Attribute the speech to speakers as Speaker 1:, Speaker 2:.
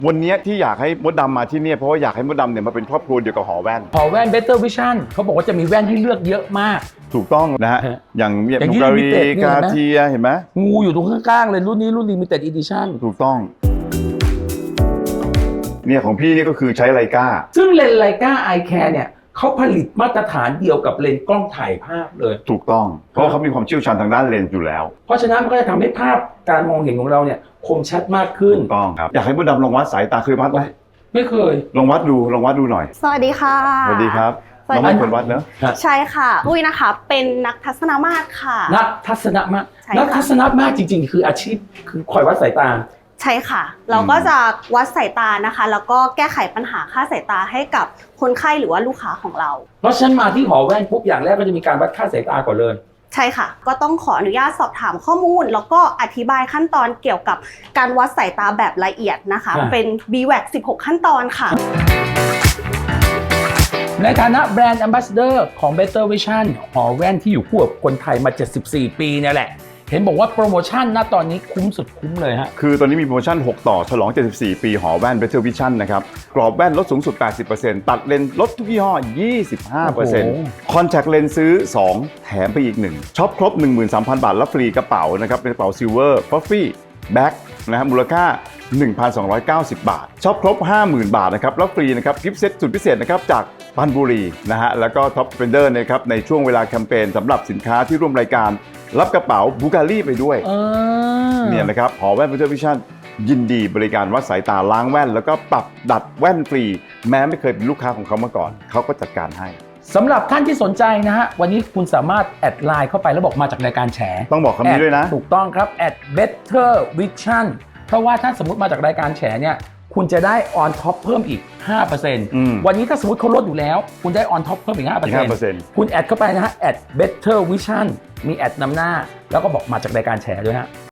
Speaker 1: วันนี้ที่อยากให้มดดำมาที่เนี่ยเพราะว่าอยากให้มดดำเนี่ยมาเป็นครอบครัวเดียวกับหอแว่น
Speaker 2: หอแว่น Better Vision เขาบอกว่าจะมีแว่นให้เลือกเยอะมาก
Speaker 1: ถูกต้องนะฮะอย่างบูการีกาเทียเห็นไหม
Speaker 2: งูอยู่ตรงข้างๆเลยรุ่นนี้รุ่น Limited Edition
Speaker 1: ถูกต้องเนี่ยของพี่นี่ก็คือใช้ไลกา
Speaker 2: ซึ่งเลนส์ไลกา Eye Care เนี่ยเขาผลิตมาตรฐานเดียวกับเลนส์กล้องถ่ายภาพเลย
Speaker 1: ถูกต้องเพราะเขามีความเชี่ยวชาญทางด้านเลนส์อยู่แล้ว
Speaker 2: เพราะฉะนั้นมันก็จะทำให้ภาพการมองเห็นของเราเนี่ยคมชัดมากขึ้น
Speaker 1: ถูกต้องครับอยากให้มดดำลองวัดสายตาเคยวัดไหม
Speaker 2: ไม่เคย
Speaker 1: ลองวัดดูหน่อย
Speaker 3: สวัสดีค่ะ
Speaker 1: สวัสดีครับน้องเป็นคนวัดเนอะ
Speaker 3: ใช่ค่ะอุ้ยนะคะเป็นนักทัศนมาตรค่ะ
Speaker 2: นักทัศนมาตรจริงๆคืออาชีพคือคอยวัดสายตา
Speaker 3: ใช่ค่ะเราก็จะวัดสายตานะคะแล้วก็แก้ไขปัญหาค่าสายตาให้กับคนไข้หรือว่าลูกค้าของเรา
Speaker 2: เพราะฉะนั้นมาที่หอแว่นปุ๊บอย่างแรกก็จะมีการวัดค่าสายตาก่อนเลย
Speaker 3: ใช่ค่ะก็ต้องขออนุญาตสอบถามข้อมูลแล้วก็อธิบายขั้นตอนเกี่ยวกับการวัดสายตาแบบละเอียดนะคะเป็น BWAC 16 ขั้นตอนค่ะ
Speaker 2: ในฐานะแบรนด์ Ambassador ของ Better Vision หอแว่นที่อยู่คู่กับคนไทยมา74ปีเนี่ยแหละเห็นบอกว่าโปรโมชั่นณตอนนี้คุ้มสุดคุ้มเลยฮะ
Speaker 1: คือตอนนี้มีโปรโมชั่น6ต่อฉลอง74ปีหอแว่น Better Vision นะครับกรอบแว่นลดสูงสุด 80% ตัดเลนส์ลดทุกยี่ห้อ 25% คอนแทคเลนส์ซื้อ2แถมไปอีก1ช็อปครบ 13,000 บาทรับฟรีกระเป๋านะครับเป็นกระเป๋าซิลเวอร์ฟัฟฟี่แบ็คนะครับมูลค่า 1,290 บาทช็อปครบ 50,000 บาทนะครับรับฟรีนะครับกิฟต์เซตสุดพิเศษนะครับจากปันบุรีนะฮะแล้วก็ท็อปสเปนเดอร์นะครับในช่วงเวลาแคมเปญสำหรับสินค้าที่ร่วมรายการรับกระเป๋าบูการีไปด้วยเนี่ยนะครับหอแว่น Better Vision ยินดีบริการวัดสายตาล้างแว่นแล้วก็ปรับดัดแว่นฟรีแม้ไม่เคยเป็นลูกค้าของเขามาก่อนเขาก็จัดการให้
Speaker 2: สำหรับท่านที่สนใจนะฮะวันนี้คุณสามารถแอดไลน์เข้าไปแล้วบอกมาจากรายการแฉ
Speaker 1: ต้องบอกคำนี้ด้วยนะ
Speaker 2: ถูกต้องครับ @Better Vision เพราะว่าถ้าสมมติมาจากรายการแฉเนี่ยคุณจะได้ on top เพิ่มอีก 5% วันนี้ถ้าสมมติเขาลดอยู่แล้วคุณได้ on top เพิ่มอีก 5% คุณแอดเข้าไปนะฮะ @Better Vision มีแอดนำหน้าแล้วก็บอกมาจากรายการแฉด้วยฮะ